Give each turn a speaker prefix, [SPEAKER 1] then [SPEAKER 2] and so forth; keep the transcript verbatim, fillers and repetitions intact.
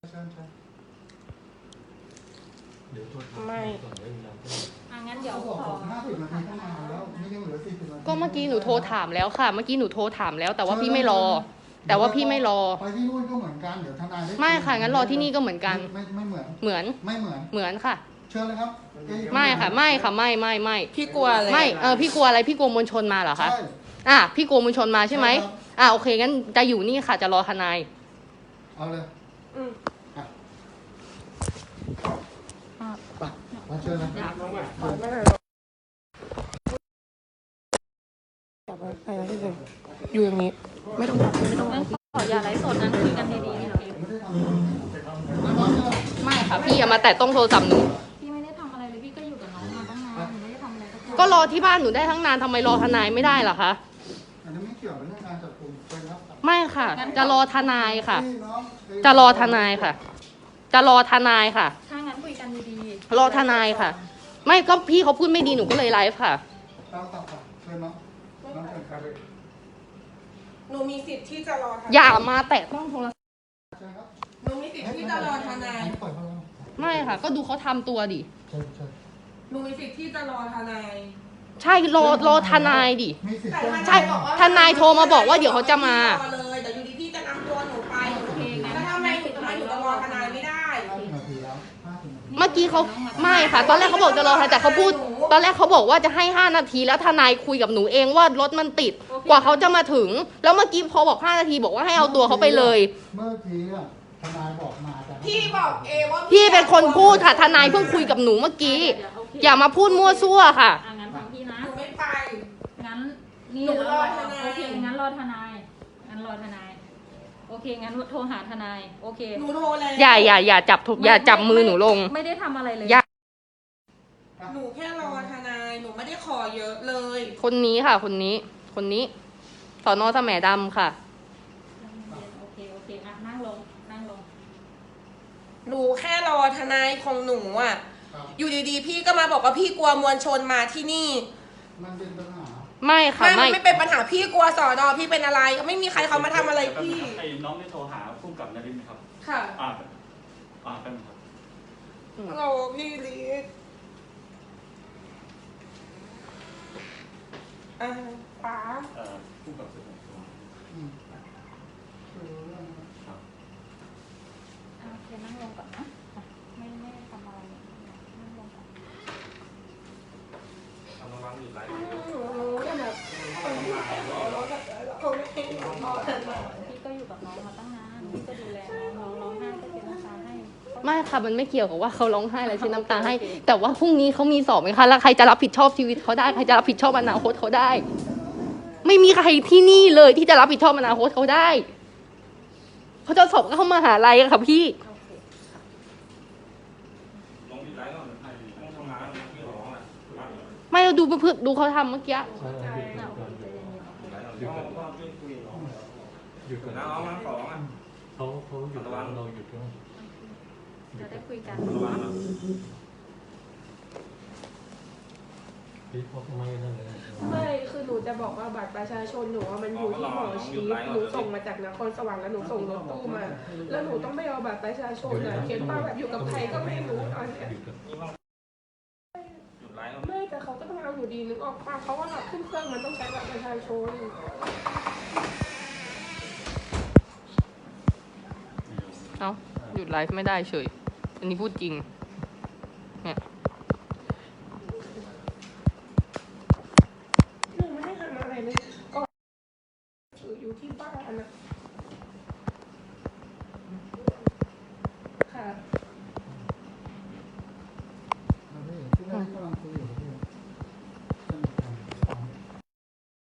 [SPEAKER 1] ไม่งั้นเดี๋ยวขอก็เมื่อกี้หนูโทรถามแล้วค่ะเมื่อกี้หนูโทรถามแล้วแต่ว่าพี่ไม่รอแต่ว่าพี่ไม่รอ
[SPEAKER 2] ไปที่นู่นก็เหมือนกันเดี๋ยวทนาย
[SPEAKER 1] ไม่ค่ะงั้นรอที่นี่ก็เหมือนกัน
[SPEAKER 2] ไม่ไม่เหมือน
[SPEAKER 1] เหมือน
[SPEAKER 2] ไม่เหมือน
[SPEAKER 1] เหมือนค่ะ
[SPEAKER 2] เชิญเลยครับ
[SPEAKER 1] ไม่ค่ะไม่ค่ะไม่ไม่ไม่
[SPEAKER 3] พี่กลัวอะไร
[SPEAKER 1] ไม่เออพี่กลัวอะไรพี่กลัวมวลชนมาเหรอคะ
[SPEAKER 2] ใช่
[SPEAKER 1] อ่ะพี่กลัวมวลชนมาใช่ไหมอ่ะโอเคงั้นจะอยู่นี่ค่ะจะรอทนาย
[SPEAKER 2] เอาเลย
[SPEAKER 3] อืม
[SPEAKER 2] ไปมาเชิญเลย
[SPEAKER 3] อยู่อย่างนี้ไม่ต้องไม่ต้อง
[SPEAKER 1] ขออย่าไลฟ์สดนั้นคุยกันดีๆนี่หรอไม่ค่ะพี่อย่ามาแตะต้องโทรศัพท์หนู
[SPEAKER 4] พี่ไม่ได้ทำอะไรเลยพี่ก็อยู่กับน้องมาตั้งนานหนูไม่ได้ทำอะไร
[SPEAKER 1] ก็รอที่บ้านหนูได้ทั้งนานทำไมรอทนายไม่ได้ล่ะคะ
[SPEAKER 2] อันนี้ไม่เกี่ยวกับเรื่องการจับกุมเป็นครับ
[SPEAKER 1] ไม่ค่ะจะรอทนายค่ะจะรอทนายค่ะจะรอทนายค่ะ
[SPEAKER 4] ถ้างั้นคุยกันดี
[SPEAKER 1] ๆรอทนายค่ะไม่ก็พี่เขาพูดไม่ดีหนูก็เลยไลฟ์ค่ะ
[SPEAKER 2] ตามตัดค่ะเชิญน้องน้องเชิญครับ
[SPEAKER 3] หนูมีสิทธิ์ที่จะรอทนาย
[SPEAKER 1] อย่ามาแตะต้องโทรศัพท์
[SPEAKER 3] หนูมีสิทธิ์ที่จะรอทนาย
[SPEAKER 1] ไม่ค่ะก็ดูเขาทำตัวดิ
[SPEAKER 3] หนูมีสิทธิ์ที่จะรอทนาย
[SPEAKER 1] ใช่รอรอทนายดิใช่ทนายโทรมาบอกว่าเดี๋ยวเขาจะมา
[SPEAKER 3] เลยแต่อยู่ดีพี่จะนำตัวหนูไปโอเคแล้วทำไมถึงทำไมถึงจะรอทนายไม่ได้
[SPEAKER 1] เมื่อกี้เขาไม่ค่ะตอนแรกเขาบอกจะรอแต่เขาพูดตอนแรกเขาบอกว่าจะให้ห้านาทีแล้วทนายคุยกับหนูเองว่ารถมันติดกว่าเขาจะมาถึงแล้วเมื่อกี้พอบอกห้านาทีบอกว่าให้เอาตัวเขาไปเลย
[SPEAKER 2] เมื่อกี้ทนายบอกมาแต่
[SPEAKER 3] พี่บอกเอว่า
[SPEAKER 1] พี่เป็นคนพูดค่ะทนายเพิ่งคุยกับหนูเมื่อกี้อย่ามาพูดมั่วซั่วค่ะ
[SPEAKER 4] งั้นฟังพี่นะ
[SPEAKER 3] หนูไม่ไป
[SPEAKER 4] งั้นนี่รอทนายโอเคงั้นรอทนายงั้นรอทนายโอเคงั้นโทรหาทนายโอเค
[SPEAKER 3] หนูโทรแล้ว
[SPEAKER 1] อย่าอย่าอย่าจับอย่าจับมือหนูลง
[SPEAKER 4] ไม่ได้ทำอะไรเลย
[SPEAKER 3] หนูแค่รอทนายหนูไม่ได้ขอเยอะเลย
[SPEAKER 1] คนนี้ค่ะคนนี้คนนี้สน.แสมดำค่ะ
[SPEAKER 4] โอเคโอเคอ่ะนั่งลงนั่งลง
[SPEAKER 3] หนูแค่รอทนายของหนูอ่ะอยู่ดีๆพี่ก็มาบอกว่าพี่กลัวมวลชนมาที่นี่
[SPEAKER 2] มันเป็นปัญหา
[SPEAKER 1] ไม่ค่ะ
[SPEAKER 3] ไม่ไม่เป็นปัญหาพี่กลัวสอนอพี่เป็นอะไรไม่มีใครเขามาทำอะไรพี่
[SPEAKER 5] ไอ้น้องได้โทรหาผู้กับนรินทร์ครับ
[SPEAKER 3] ค่ะ
[SPEAKER 5] อ่าอ่าเป็นครับ
[SPEAKER 3] เราพี่ลีดอ่าป๋า
[SPEAKER 5] เอ่อผู้กับสืบสวน
[SPEAKER 4] โอเคนั่งลงก่อนนะไม่ไม่ทำอะไรนั่งลงก่อน
[SPEAKER 5] ทำระวังอยู่ไร
[SPEAKER 4] พี่ก็อยู่กับน้องมาตั้งนานพี่ก็ดูแลน้องน้องร้องไห้ก็เช็ดน้ำตาให้
[SPEAKER 1] ไม่ค่ะมันไม่เกี่ยวกับว่าเขาร้องไห้แล้วเช็ดน้ำตาให้แต่ว่าพรุ่งนี้เขามีสอบไหมคะแล้วใครจะรับผิดชอบชีวิตเขาได้ใครจะรับผิดชอบอนาคตเขาได้ไม่มีใครที่นี่เลยที่จะรับผิดชอบอนาคตเขาได้เขาจะสอบก็เข้ามหาลัยอะค่ะพี่ไม่เราดูเพื่อดูเขาทำเมื่อกี้
[SPEAKER 5] หยุดก่อนนะน้องน้องสองอ่ะ
[SPEAKER 6] เขาเขาหยุดระวังเราหยุดด้วย
[SPEAKER 4] จะได้คุยกัน
[SPEAKER 5] ระวังนะ
[SPEAKER 6] พี่พกไม่นั่นเลย
[SPEAKER 3] ไม่คือหนูจะบอกว่าบัตรประชาชนหนูมันอยู่ที่หมอชีสหนูส่งมาจากนครสวรรค์แล้วหนูส่งรถตู้มาแล้วหนูต้องไม่เอาบัตรประชาชนนะเขียนว่าแบบอยู่กับใครก็ไม่รู้ตอนเนี้ยไม่แต่เขาก็ต้องเอาอยู่ดีนึกออกป่ะเพราะว่าแบบขึ้นเครื่องมันต้องใช้บัตรประชาชน
[SPEAKER 1] เอ้าหยุดไลฟ์ไม่ได้เฉยอันนี้พูดจริงเนี่ย
[SPEAKER 3] หนูไม่ได้ทำอะไรเลยก็อยู่ที่บ้านนะ